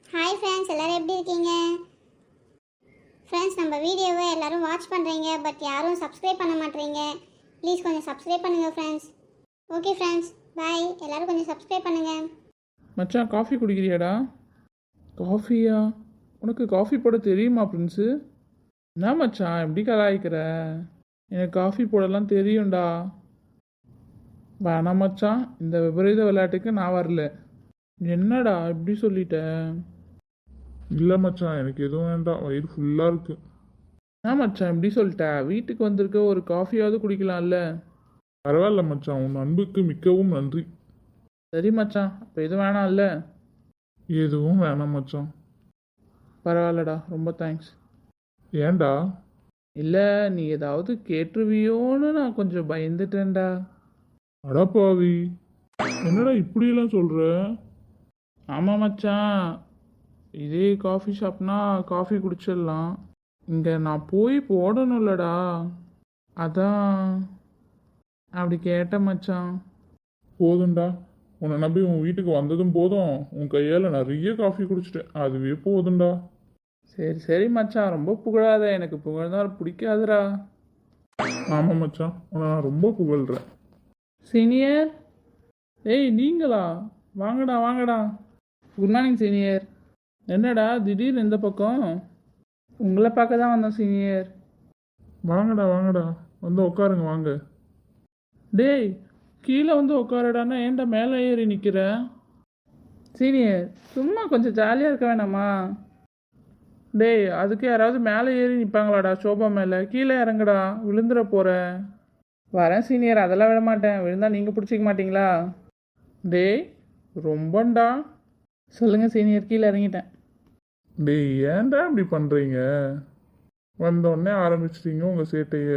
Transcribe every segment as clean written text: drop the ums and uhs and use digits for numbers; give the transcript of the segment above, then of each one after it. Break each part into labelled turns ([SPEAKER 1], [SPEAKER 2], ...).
[SPEAKER 1] Hi friends, எல்லோரும் எப்படி இருக்கீங்க? ஃப்ரெண்ட்ஸ், நம்ம வீடியோவை எல்லோரும் வாட்ச் பண்ணுறீங்க, பட் யாரும் சப்ஸ்கிரைப் பண்ண மாட்டேறீங்க. ப்ளீஸ் கொஞ்சம் சப்ஸ்கிரைப் பண்ணுங்கள் ஃப்ரெண்ட்ஸ். Okay friends, bye. எல்லோரும் கொஞ்சம் சப்ஸ்கிரைப் பண்ணுங்கள்.
[SPEAKER 2] மச்சான், காஃபி குடிக்கிறியாடா? காஃபியா? உனக்கு காஃபி போட தெரியுமா பிரின்ஸு? என்ன மச்சான் எப்படி கலாய்க்கிற? எனக்கு காஃபி போடலாம் தெரியும்டா. வேணாம் மச்சான், இந்த விபரீத விளையாட்டுக்கு நான் வரல. என்னடா இப்படி சொல்லிட்டேன்?
[SPEAKER 3] இல்லை மச்சான், எனக்கு எதுவும் வேண்டாம், வயிறு ஃபுல்லாக இருக்கு.
[SPEAKER 2] என்ன மச்சான் இப்படி சொல்லிட்ட? வீட்டுக்கு வந்திருக்க ஒரு காஃபியாவது குடிக்கலாம்ல?
[SPEAKER 3] பரவாயில்ல மச்சான், உன் அன்புக்கு மிக்கவும் நன்றி.
[SPEAKER 2] சரி மச்சான், அப்போ எதுவும் வேணாம்ல?
[SPEAKER 3] எதுவும் வேணாம் மச்சான்.
[SPEAKER 2] பரவாயில்லடா, ரொம்ப தேங்க்ஸ்.
[SPEAKER 3] ஏன்டா?
[SPEAKER 2] இல்லை, நீ ஏதாவது கேட்டுருவியோன்னு நான் கொஞ்சம் பயந்துட்டேன்டா.
[SPEAKER 3] அடப்பாவி, என்னடா இப்படியெல்லாம் சொல்கிற?
[SPEAKER 2] ஆமாம் மச்சான், இதே காஃபி ஷாப்னா காஃபி குடிச்சிடலாம். இங்கே நான் போய் போடணும்லடா, அதான் அப்படி கேட்டேன் மச்சான்.
[SPEAKER 3] போதும்டா, உன்னை நம்பி உன் வீட்டுக்கு வந்ததும் போதும், உன் கையால் நிறைய காஃபி குடிச்சிட்டேன், அதுவே போதும்டா.
[SPEAKER 2] சரி சரி மச்சான், ரொம்ப புகழாத, எனக்கு புகழ்ந்தால் பிடிக்காதுடா.
[SPEAKER 3] ஆமாம் மச்சான், உன்னை நான் ரொம்ப புகழ்கிறேன்.
[SPEAKER 2] சீனியர், ஏய் நீங்களா? வாங்கடா வாங்கடா. Good morning senior. என்னடா திடீர்னு இந்த பக்கம்? உங்களை பார்க்க தான் வந்தோம் சீனியர்.
[SPEAKER 3] வாங்கடா வாங்கடா, வந்து உட்காருங்க வாங்க.
[SPEAKER 2] டேய், கீழே வந்து உட்காரடான்னா ஏன்டா மேலே ஏறி நிற்கிற? சீனியர், சும்மா கொஞ்சம் ஜாலியாக இருக்க வேணாமா? டேய், அதுக்கு யாராவது மேலே ஏறி நிற்பாங்களாடா சோபா மேலே? கீழே இறங்குடா, விழுந்துட போகிற. வரேன் சீனியர், அதெல்லாம் விட மாட்டேன். விழுந்தால் நீங்கள் பிடிச்சிக்க மாட்டிங்களா? டேய் ரொம்பண்டா. சொல்லுங்கள் சீனியர், கீழே இறங்கிட்டேன்.
[SPEAKER 3] டேய், ஏன்டா இப்படி பண்ணுறீங்க? வந்தோடனே ஆரம்பிச்சிட்டீங்க உங்கள் சேட்டையை.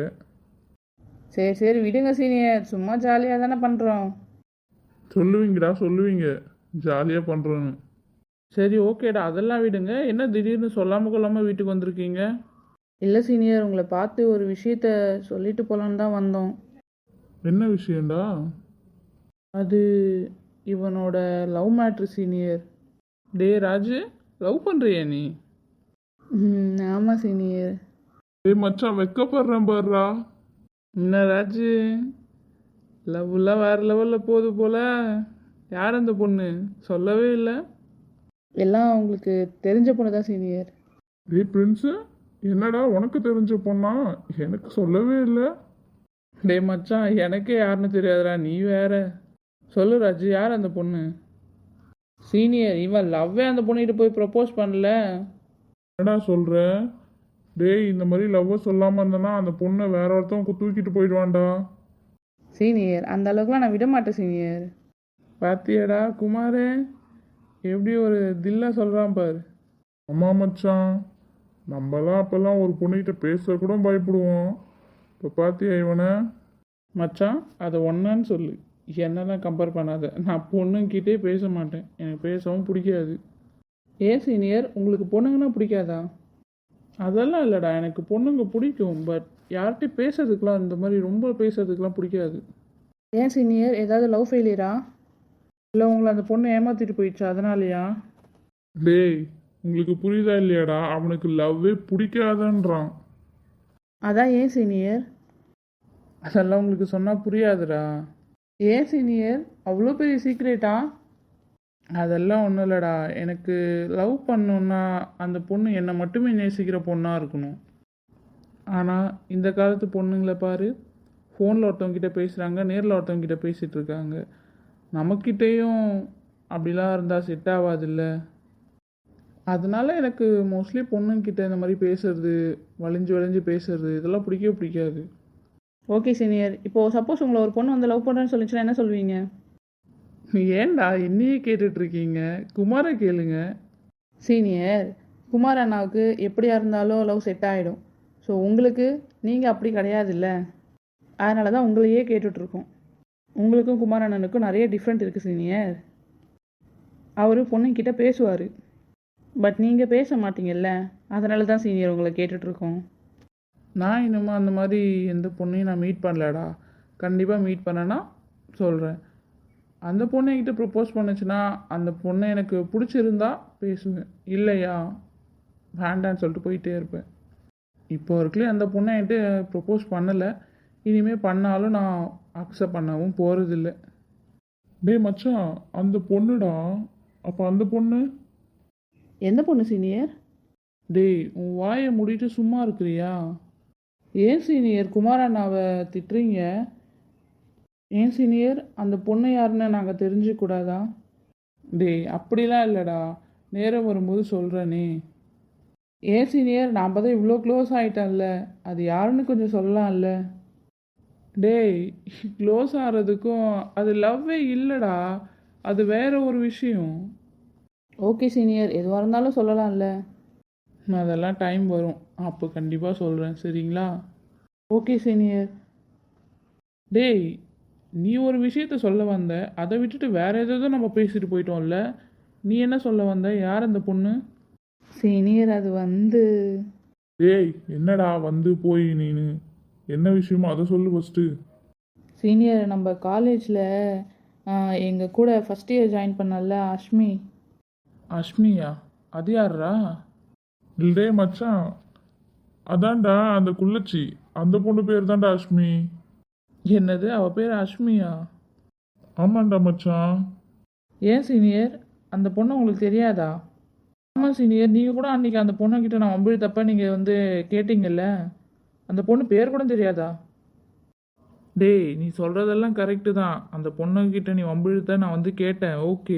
[SPEAKER 2] சரி சரி விடுங்க சீனியர், சும்மா ஜாலியாக தானே பண்ணுறோம்.
[SPEAKER 3] சொல்லுவீங்கடா சொல்லுவீங்க, ஜாலியாக பண்ணுறோன்னு.
[SPEAKER 2] சரி ஓகேடா, அதெல்லாம் விடுங்க. என்ன திடீர்னு சொல்லாமல் கொள்ளாமல் வீட்டுக்கு வந்திருக்கீங்க? இல்லை சீனியர், உங்களை பார்த்து ஒரு விஷயத்த சொல்லிட்டு போகலான்னு தான் வந்தோம்.
[SPEAKER 3] என்ன விஷயம்டா?
[SPEAKER 2] அது இவனோட லவ் மேட்ரு சீனியர். டே ராஜு, லவ் பண்ணுறியா நீ? ஆமாம் சீனியர்.
[SPEAKER 3] டேய் மச்சான், வெக்கப்படுறேன் பாருடா.
[SPEAKER 2] என்ன ராஜு, லவ்லாம் வேறு லெவலில் போகுது போல. யார் அந்த பொண்ணு? சொல்லவே இல்லை. எல்லாம் உங்களுக்கு தெரிஞ்ச பொண்ணு தான் சீனியர்.
[SPEAKER 3] டேய் பிரின்ஸு, என்னடா உனக்கு தெரிஞ்ச பொண்ணா? எனக்கு சொல்லவே இல்லை.
[SPEAKER 2] டே மச்சான், எனக்கே யாருன்னு தெரியாதுடா, நீ வேற. சொல்லு ராஜு, யார் அந்த பொண்ணு? சீனியர், இவன் லவ்வே அந்த பொண்ணுகிட்ட போய் ப்ரப்போஸ் பண்ணல.
[SPEAKER 3] என்னடா சொல்கிற? டேய், இந்த மாதிரி லவ்வை சொல்லாமல் இருந்தேன்னா அந்த பொண்ணை வேற ஒருத்தவங்க தூக்கிட்டு போயிடுவான்டா.
[SPEAKER 2] சீனியர், அந்த அளவுக்குலாம் நான் விட மாட்டேன் சீனியர். பாத்தியாடா குமாரே, எப்படி ஒரு தில்லா சொல்கிறான் பாரு.
[SPEAKER 3] ஆமாம் மச்சான், நம்மலாம் அப்போல்லாம் ஒரு பொண்ணுகிட்ட பேச கூட பயப்படுவோம். இப்போ பார்த்தியா இவனை?
[SPEAKER 2] மச்சான், அதை ஒன்றான்னு சொல்லு, என்னெல்லாம் கம்பேர் பண்ணாத. நான் பொண்ணுங்கிட்டே பேச மாட்டேன், எனக்கு பேசவும் பிடிக்காது. ஏன் சீனியர், உங்களுக்கு பொண்ணுங்கன்னா பிடிக்காதா? அதெல்லாம் இல்லைடா, எனக்கு பொண்ணுங்க பிடிக்கும், பட் யார்கிட்டையும் பேசுறதுக்கெலாம் இந்த மாதிரி ரொம்ப பேசுறதுக்கெலாம் பிடிக்காது. ஏன் சீனியர், ஏதாவது லவ் ஃபெயிலியரா? இல்லை உங்களை அந்த பொண்ணு ஏமாற்றிட்டு போயிடுச்சா, அதனாலயா?
[SPEAKER 3] டேய், உங்களுக்கு புரியுதா இல்லையாடா? அவனுக்கு லவ்வே பிடிக்காதன்றான்.
[SPEAKER 2] அதான் ஏன் சீனியர்? அதெல்லாம் உங்களுக்கு சொன்னால் புரியாதுடா. ஏன் சீனியர், அவ்வளோ பெரிய சீக்ரெட்டா? அதெல்லாம் ஒன்றும் இல்லைடா, எனக்கு லவ் பண்ணோன்னா அந்த பொண்ணு என்னை மட்டுமே நேசிக்கிற பொண்ணாக இருக்கணும். ஆனால் இந்த காலத்து பொண்ணுங்களை பாரு, ஃபோனில் ஒருத்தவங்கிட்ட பேசுகிறாங்க, நேரில் ஒருத்தவங்கிட்ட பேசிகிட்டு இருக்காங்க. நமக்கிட்டேயும் அப்படிலாம் இருந்தால் செட் ஆகாதில்ல. அதனால எனக்கு மோஸ்ட்லி பொண்ணுங்கிட்ட இந்த மாதிரி பேசுறது, வளைஞ்சு வளைஞ்சு பேசுறது, இதெல்லாம் பிடிக்கவே பிடிக்காது. ஓகே சீனியர், இப்போது சப்போஸ் உங்களை ஒரு பொண்ணு வந்து லவ் பண்ணுறேன்னு சொல்லிச்சுன்னா என்ன சொல்வீங்க? ஏன்டா என்னையே கேட்டுட்ருக்கீங்க? குமாரை கேளுங்க. சீனியர், குமார் அண்ணாவுக்கு எப்படியா இருந்தாலும் லவ் செட் ஆகிடும். ஸோ உங்களுக்கு நீங்கள் அப்படி கிடையாதுல்ல, அதனால தான் உங்களையே கேட்டுட்ருக்கோம். உங்களுக்கும் குமார் அண்ணனுக்கும் நிறைய டிஃப்ரெண்ட் இருக்குது சீனியர். அவர் பொண்ணுங்கிட்ட பேசுவார், பட் நீங்கள் பேச மாட்டீங்கல்ல, அதனால தான் சீனியர் உங்களை கேட்டுட்ருக்கோம். நான் இன்னமும் அந்த மாதிரி எந்த பொண்ணையும் நான் மீட் பண்ணலடா. கண்டிப்பாக மீட் பண்ணேன்னா சொல்கிறேன். அந்த பொண்ணு என்கிட்ட ப்ரப்போஸ் பண்ணுச்சுன்னா, அந்த பொண்ணை எனக்கு பிடிச்சிருந்தா பேசுவேன், இல்லையா வேண்டான்னு சொல்லிட்டு போயிட்டே இருப்பேன். இப்போ வரைக்கும் அந்த பொண்ணை என்கிட்ட ப்ரப்போஸ் பண்ணலை, இனிமேல் பண்ணாலும் நான் அக்செப்ட் பண்ணவும் போகிறதில்ல.
[SPEAKER 3] டேய் மச்சான், அந்த பொண்ணுடா. அப்போ அந்த பொண்ணு?
[SPEAKER 2] எந்த பொண்ணு சீனியர்? டேய் உன் வாயை மூடிட்டு சும்மா இருக்கிறியா? ஏன் சீனியர் குமார் அண்ணாவை திட்டுறீங்க? ஏன் சீனியர் அந்த பொண்ணு யாருன்னு நாங்கள் தெரிஞ்சுக்கூடாதா? டேய் அப்படிலாம் இல்லைடா, நேரம் வரும்போது சொல்கிறேனே. ஏன் சீனியர் நாம் தான் இவ்வளோ க்ளோஸ் ஆகிட்டோம்ல, அது யாருன்னு கொஞ்சம் சொல்லலாம்ல? டேய் க்ளோஸ் ஆகிறதுக்கும் அது லவ்வே இல்லைடா, அது வேற ஒரு விஷயம். ஓகே சீனியர், எதுவாக இருந்தாலும் சொல்லலாம்ல. அதெல்லாம் டைம் வரும், அப்போ கண்டிப்பாக சொல்கிறேன் சரிங்களா? Okay senior. டேய் நீ ஒரு விஷயத்த சொல்ல வந்த, அதை விட்டுட்டு வேற ஏதோ நம்ம பேசிட்டு போயிட்டோம்ல. நீ என்ன சொல்ல வந்த? யார் அந்த பொண்ணு? சீனியர் அது வந்து
[SPEAKER 3] டேய் என்னடா வந்து போய் நீனு என்ன விஷயமோ அதை சொல்லு ஃபஸ்ட்டு.
[SPEAKER 2] சீனியர் நம்ம காலேஜில் எங்கள் கூட ஃபஸ்ட் இயர் ஜாயின் பண்ணல அஷ்மி. அஷ்மியா? அது யாரா?
[SPEAKER 3] டே மச்சான், அதான்டா அந்த குள்ளச்சி, அந்த பொண்ணு பேர் தான்டா அஷ்மி.
[SPEAKER 2] என்னது அவள் பேர் அஷ்மியா?
[SPEAKER 3] ஆமாண்டா மச்சான்.
[SPEAKER 2] ஏன் சீனியர் அந்த பொண்ணு உங்களுக்கு தெரியாதா? ஆமாம் சீனியர், நீங்கள் கூட அன்றைக்கி அந்த பொண்ணுக்கிட்ட நான் வம்பிழுத்தப்ப நீங்கள் வந்து கேட்டிங்கல்ல, அந்த பொண்ணு பேர் கூட தெரியாதா? டேய் நீ சொல்கிறதெல்லாம் கரெக்டு தான், அந்த பொண்ணுக்கிட்ட நீ வம்பிழுத்த நான் வந்து கேட்டேன், ஓகே.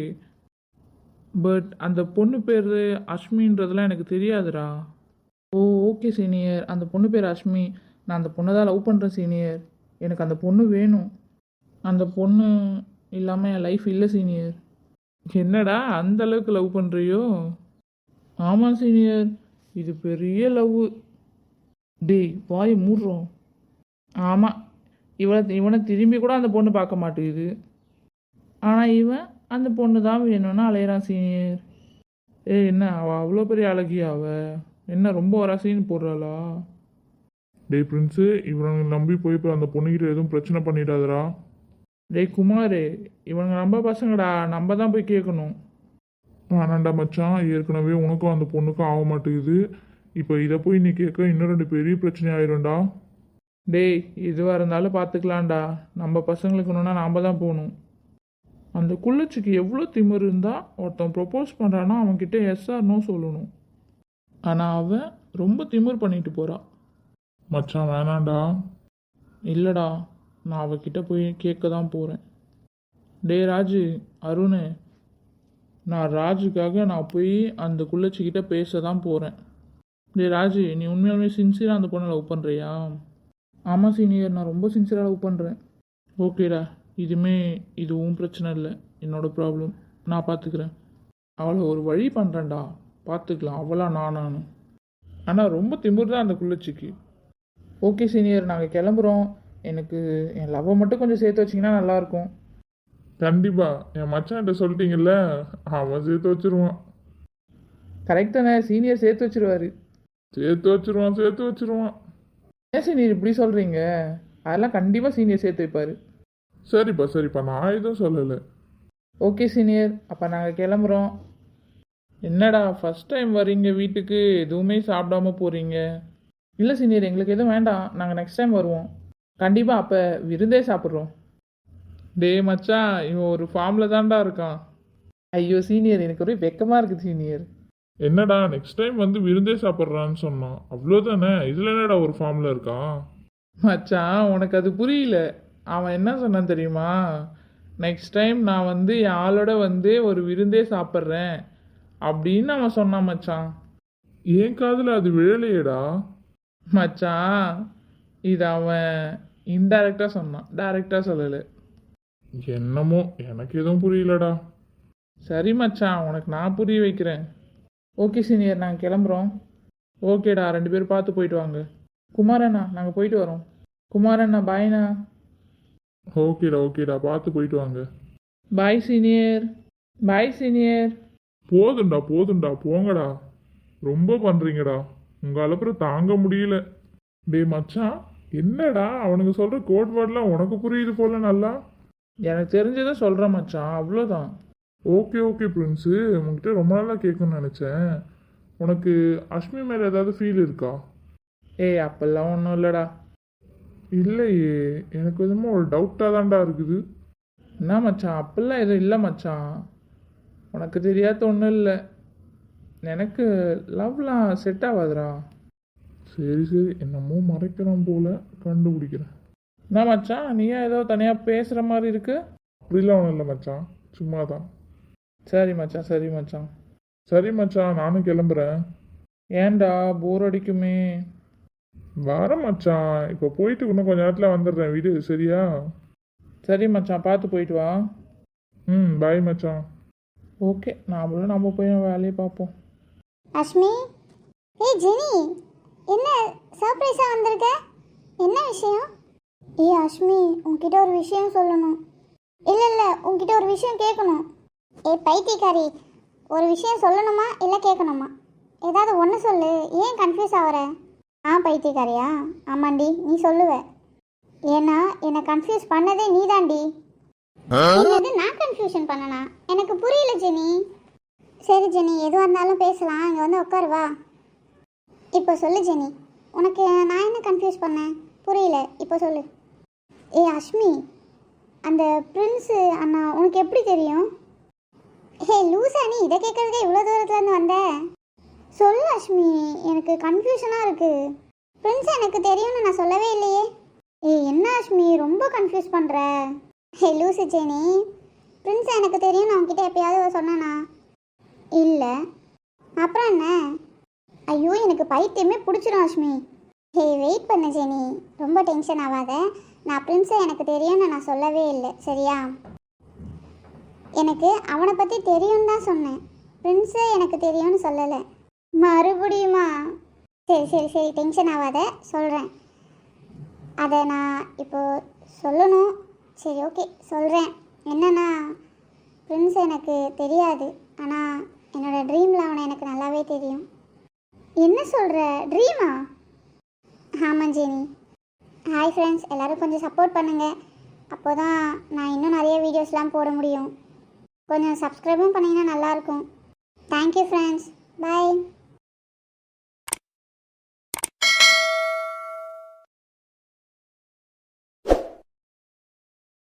[SPEAKER 2] பட் அந்த பொண்ணு பேர் அஷ்மின்றதெல்லாம் எனக்கு தெரியாதுடா. ஓ ஓகே சீனியர், அந்த பொண்ணு பேர் அஷ்மி. நான் அந்த பொண்ணை தான் லவ் பண்ணுறேன் சீனியர். எனக்கு அந்த பொண்ணு வேணும். அந்த பொண்ணு இல்லாமல் என் லைஃப் இல்லை சீனியர். என்னடா அந்த அளவுக்கு லவ் பண்ணுறியோ? ஆமாம் சீனியர், இது பெரிய லவ். டேய் வாய் மூடுறோம். ஆமாம், இவனை திரும்பி கூட அந்த பொண்ணு பார்க்க மாட்டேங்குது. ஆனால் இவன் அந்த பொண்ணு தான் வேணும்னு அலையிறான் சீனியர். என்ன அவள் அவ்வளோ பெரிய அழகியா? என்ன ரொம்ப ஒரு சீன் போடுறாளா?
[SPEAKER 3] டேய் பிரின்ஸு, இவனை நம்பி போய் இப்போ அந்த பொண்ணுக்கிட்ட எதுவும் பிரச்சனை பண்ணிடாதடா.
[SPEAKER 2] டேய் குமார், இவனுங்க நம்ம பசங்கடா, நம்ம தான் போய் கேட்கணும்.
[SPEAKER 3] ஆனாண்டா மச்சான், ஏற்கனவே உனக்கும் அந்த பொண்ணுக்கும் ஆக மாட்டேங்குது. இப்போ இதை போய் நீ கேட்க இன்னும் 2 பெரிய பிரச்சனை ஆயிரும்டா.
[SPEAKER 2] டேய் எதுவாக இருந்தாலும் பார்த்துக்கலாம்டா, நம்ம பசங்களுக்கு ஒன்றுனா நாம் தான் போகணும். அந்த குள்ளச்சிக்கு எவ்வளோ திமிரு இருந்தால் ஒருத்தன் ப்ரொப்போஸ் பண்ணுறான்னா அவன்கிட்ட எஸ்ஆர் நோ சொல்லணும். ஆனால் அவன் ரொம்ப திமிர் பண்ணிட்டு போகிறான்.
[SPEAKER 3] மச்சான் வேணாண்டா.
[SPEAKER 2] இல்லைடா, நான் அவகிட்ட போய் கேட்க தான் போகிறேன். டே ராஜு, அருண், நான் ராஜுக்காக நான் போய் அந்த குள்ளச்சிக்கிட்ட பேச தான் போகிறேன். டே ராஜு, நீ உண்மையாலுமே சின்சியராக அந்த பொண்ணை லவ் பண்ணுறியா? ஆமாம் சீனியர், நான் ரொம்ப சின்சியராக லவ் பண்ணுறேன். ஓகேடா, இது உன் பிரச்சனை இல்லை, என்னோட ப்ராப்ளம். நான் பார்த்துக்கிறேன். அவளை ஒரு வழி பண்ணுறேன்டா, பார்த்துக்கலாம். அவளா நானும். ஆனால் ரொம்ப திமிர் தான் அந்த குள்ளச்சிக்கு. ஓகே சீனியர், நாங்கள் கிளம்புறோம். எனக்கு என் லவ்வை மட்டும் கொஞ்சம் சேர்த்து வச்சிங்கன்னா நல்லாயிருக்கும்.
[SPEAKER 3] கண்டிப்பா என் மச்சான்கிட்ட சொல்லிட்டீங்கல்ல, அவன் சேர்த்து வச்சிருவான்.
[SPEAKER 2] கரெக்ட் தானே? சீனியர் சேர்த்து வச்சிருவாரு.
[SPEAKER 3] சேர்த்து வச்சிருவான்.
[SPEAKER 2] ஏன் சீனியர் இப்படி சொல்கிறீங்க? அதெல்லாம் கண்டிப்பாக சீனியர் சேர்த்து வைப்பார்.
[SPEAKER 3] சரிப்பா, நான் எதுவும் சொல்லலை.
[SPEAKER 2] ஓகே சீனியர், அப்போ நாங்கள் கிளம்புறோம். என்னடா ஃபஸ்ட் டைம் வரீங்க வீட்டுக்கு, எதுவுமே சாப்பிடாம போகிறீங்க? இல்லை சீனியர், எங்களுக்கு எதுவும் வேண்டாம், நாங்கள் நெக்ஸ்ட் டைம் வருவோம். கண்டிப்பாக அப்போ விருந்தே சாப்பிட்றோம். டே மச்சான், இவன் ஒரு ஃபார்மில் தான்டா இருக்கான். ஐயோ சீனியர், எனக்கு ஒரே வெக்கமாக இருக்குது சீனியர்.
[SPEAKER 3] என்னடா நெக்ஸ்ட் டைம் வந்து விருந்தே சாப்பிட்றான்னு சொன்னான், அவ்வளோதானே. இதில் என்னடா ஒரு ஃபார்மில் இருக்கான்?
[SPEAKER 2] மச்சான் உனக்கு அது புரியல. அவன் என்ன சொன்னான் தெரியுமா? நெக்ஸ்ட் டைம் நான் வந்து என் ஆளோட வந்து ஒரு விருந்தே சாப்பிட்றேன் அப்படின்னு அவன் சொன்னான் மச்சான்.
[SPEAKER 3] என் காதில் அது விழலையேடா.
[SPEAKER 2] மச்சான் இது அவன் இன்டைரக்டாக சொன்னான், டைரெக்டாக சொல்லலை.
[SPEAKER 3] என்னமோ எனக்கு எதுவும் புரியலடா.
[SPEAKER 2] சரி மச்சான், உனக்கு நான் புரிய வைக்கிறேன். ஓகே சீனியர், நாங்கள் கிளம்புறோம். ஓகேடா, 2 பேரும் பார்த்து போயிட்டு வாங்க. குமாரண்ணா, நாங்கள் போயிட்டு வரோம். குமாரண்ணா பாய்ண்ணா.
[SPEAKER 3] ஓகேடா பார்த்து போயிட்டு வாங்க.
[SPEAKER 2] Bye senior. Bye senior.
[SPEAKER 3] போதுண்டா போங்கடா, ரொம்ப பண்ணுறீங்கடா, உங்கள் அப்புறம் தாங்க முடியல. டேய் மச்சான், என்னடா அவனுங்க சொல்கிற கோட் வேர்ட்லாம் உனக்கு புரியுது போல நல்லா.
[SPEAKER 2] எனக்கு தெரிஞ்சதை சொல்கிறேன் மச்சான், அவ்வளோதான்.
[SPEAKER 3] ஓகே ஓகே பிரின்ஸு, உங்ககிட்ட ரொம்ப நாளாக கேட்கணும்னு நினச்சேன். உனக்கு அஷ்மி மேலே ஏதாவது ஃபீல் இருக்கா?
[SPEAKER 2] ஏய் அப்பெல்லாம் ஒன்றும் இல்லைடா.
[SPEAKER 3] இல்லையே, எனக்கு எதுவும் ஒரு டவுட்டாக தான்டா இருக்குது.
[SPEAKER 2] என்ன மச்சான், அப்பெல்லாம் எதுவும் இல்லை மச்சான். உனக்கு தெரியாத ஒன்றும் இல்லை. எனக்கு லவ்லாம் செட் ஆகாதுடா.
[SPEAKER 3] சரி சரி, என்னமோ மறைக்கிறான் போல, கண்டுபிடிக்கிறேன்.
[SPEAKER 2] என்ன மச்சான், நீயா ஏதோ தனியாக பேசுகிற மாதிரி இருக்கு?
[SPEAKER 3] அப்படிலாம் ஒன்றும் இல்லை மச்சான், சும்மா தான்.
[SPEAKER 2] சரி மச்சான், சரி மச்சான்.
[SPEAKER 3] சரி மச்சான், நானும் கிளம்புறேன்.
[SPEAKER 2] ஏன்டா, போர் அடிக்குமே.
[SPEAKER 3] வரேன் மச்சான், இப்போ போயிட்டு இன்னும் கொஞ்ச நேரத்தில் வந்துடுறேன் வீடு, சரியா?
[SPEAKER 2] சரி மச்சான், பார்த்து போயிட்டு வா.
[SPEAKER 3] பாய் மச்சான்.
[SPEAKER 2] ஓகே, நாமளும் நம்ம போய் வேலையை பார்ப்போம்.
[SPEAKER 1] அஷ்மி, ஏய் ஜெனி, என்ன சர்ப்ரைஸாக வந்திருக்க? என்ன விஷயம்? ஏய் அஷ்மி, உன்கிட்ட ஒரு விஷயம் சொல்லணும். இல்லை உன்கிட்ட ஒரு விஷயம் கேட்கணும். ஏய் பைத்தியக்காரி, ஒரு விஷயம் சொல்லணுமா இல்லை கேட்கணுமா? ஏதாவது ஒன்று சொல்லு, ஏன் கன்ஃபியூஸ் ஆகிற? பைத்தியக்காரியா? ஆமாண்டி, நீ சொல்லுவ. ஏன்னா என்னை கன்ஃபியூஸ் பண்ணதே நீ தாண்டி. என்னது, நான் கன்ஃபியூஷன் பண்ணனா? எனக்கு புரியல ஜெனி. சரி ஜெனி, எதுவாக இருந்தாலும் பேசலாம், இங்கே வந்து உட்காரு வா. இப்போ சொல்லு ஜெனி, உனக்கு நான் என்ன கன்ஃபியூஸ் பண்ணேன்? புரியல, இப்போ சொல்லு. ஏய் அஷ்மி, அந்த பிரின்ஸு அண்ணா உனக்கு எப்படி தெரியும்? ஹே லூசா, நீ இதை கேட்குறதுக்கே இவ்வளோ தூரத்துலேருந்து வந்த? சொல்லு அஷ்மி, எனக்கு கன்ஃபியூஷனாக இருக்குது. பிரின்ஸ் எனக்கு தெரியும்னு நான் சொல்லவே இல்லையே. ஏய் என்ன அஷ்மி, ரொம்ப கன்ஃபியூஸ் பண்ணுற. ஹே லூசு ஜெனி, பிரின்ஸ் எனக்கு தெரியும் நான் உன்கிட்ட எப்பயாவது சொன்னேனா? இல்லை. அப்புறம் என்ன? ஐயோ எனக்கு பைத்தியமே பிடிச்சிரும் அஷ்மி. ஹே வெயிட் பண்ண ஜெனி, ரொம்ப டென்ஷன் ஆகாத. நான் பிரின்ஸை எனக்கு தெரியும்னு நான் சொல்லவே இல்லை, சரியா? எனக்கு அவனை பற்றி தெரியும்னு தான் சொன்னேன், பிரின்ஸு எனக்கு தெரியும்னு சொல்லலை. மறுபடியுமா? சரி சரி சரி, டென்ஷன் ஆகாத, சொல்கிறேன். அதை நான் இப்போது சொல்லணும். சரி ஓகே சொல்கிறேன். என்னன்னா, பிரின்ஸ் எனக்கு தெரியாது, ஆனால் என்னோடய ட்ரீமில் அவனை எனக்கு நல்லாவே தெரியும். என்ன சொல்கிற, ட்ரீமா? ஆமாம் ஜெனி. ஹாய் ஃப்ரெண்ட்ஸ், எல்லோரும் கொஞ்சம் சப்போர்ட் பண்ணுங்கள், அப்போ தான் நான் இன்னும் நிறைய வீடியோஸ்லாம் போட முடியும். கொஞ்சம் சப்ஸ்கிரைபும் பண்ணிங்கன்னா நல்லாயிருக்கும். தேங்க்யூ ஃப்ரெண்ட்ஸ், பாய்.